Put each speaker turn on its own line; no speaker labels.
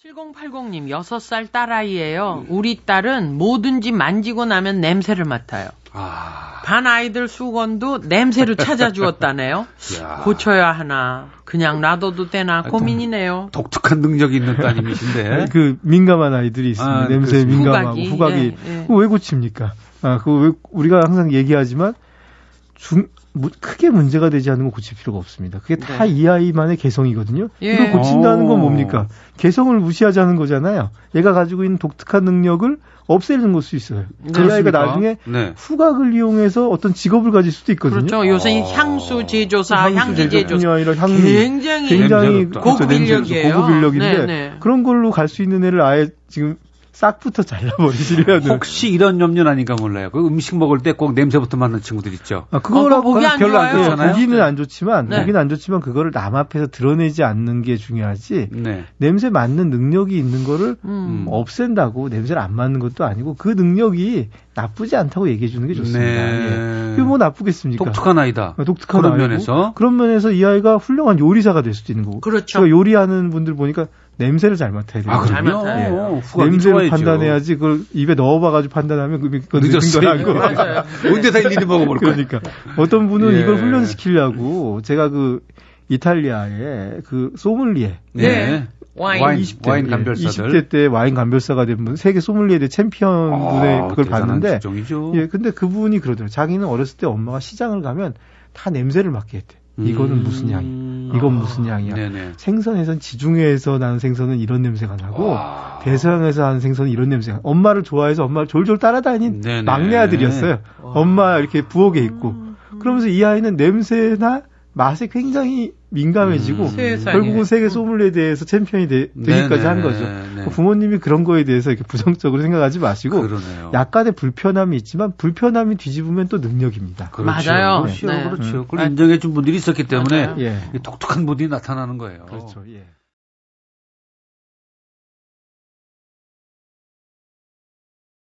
7080님, 6살 딸아이예요. 우리 딸은 뭐든지 만지고 나면 냄새를 맡아요. 반 아이들 수건도 냄새로 찾아주었다네요. 고쳐야 하나, 그냥 놔둬도 되나 고민이네요.
독특한 능력이 있는 따님이신데.
그 민감한 아이들이 있습니다. 냄새에 민감하고 후각이.
예.
그거 왜 고칩니까? 그거 왜 우리가 항상 얘기하지만 크게 문제가 되지 않는 건 고칠 필요가 없습니다. 그게 다 이 아이만의 개성이거든요.
예.
이걸 고친다는 건 뭡니까? 개성을 무시하자는 거잖아요. 얘가 가지고 있는 독특한 능력을 없애는 걸 수 있어요. 그 아이가 나중에 후각을 이용해서 어떤 직업을 가질 수도 있거든요.
그렇죠. 요새 향수 제조사, 향기 제조사
아니라
굉장히 고급 인력이에요.
고급 인력인데
네네.
그런 걸로 갈 수 있는 애를 아예 지금 싹부터 잘라버리시려는.
혹시 이런 염려는 아닌가 몰라요. 그 음식 먹을 때 꼭 냄새부터 맡는 친구들 있죠.
그거라고
보기 안
별로 안
좋아요.
좋잖아요.
보기는 안 좋지만, 그거를 남 앞에서 드러내지 않는 게 중요하지. 냄새 맡는 능력이 있는 거를 없앤다고 냄새를 안 맡는 것도 아니고 그 능력이 나쁘지 않다고 얘기해 주는 게 좋습니다. 그게 뭐 나쁘겠습니까?
독특한 아이다.
독특한
그런
아이고,
면에서.
그런 면에서 이 아이가 훌륭한 요리사가 될 수도 있는 거고.
그렇죠.
제가 요리하는 분들 보니까 냄새를 잘 맡아야 돼요.
잘 맡아요.
냄새를 판단해야지 그걸 입에 넣어봐가지고 판단하면 그건 늦은 거라고.
맞아요.
언제 다 일일이 먹어볼 거야.
그러니까 어떤 분은 이걸 훈련시키려고 제가 그 이탈리아의 그 소믈리에.
와인
감별사들.
20대 때 와인 감별사가 된 분, 세계 소믈리에 챔피언 분의 그걸 봤는데. 근데 그분이 그러더라고요. 자기는 어렸을 때 엄마가 시장을 가면 다 냄새를 맡게 했대. 이거는 무슨 향이야. 이건 무슨 향이야. 생선에선 지중해에서 나는 생선은 이런 냄새가 나고 대서양에서 하는 생선은 이런 냄새가. 엄마를 좋아해서 엄마를 졸졸 따라다닌 막내 아들이었어요. 엄마 이렇게 부엌에 있고. 그러면서 이 아이는 냄새나 맛에 굉장히 민감해지고 결국은 세계 소믈리에 대해서 챔피언이 되기까지 한 거죠. 부모님이 그런 거에 대해서 이렇게 부정적으로 생각하지 마시고 약간의 불편함이 있지만 불편함이 뒤집으면 또 능력입니다.
그렇죠. 맞아요.
그렇죠. 그걸 인정해 준 분들이 있었기 때문에 독특한 분이 나타나는 거예요.
그렇죠. 예.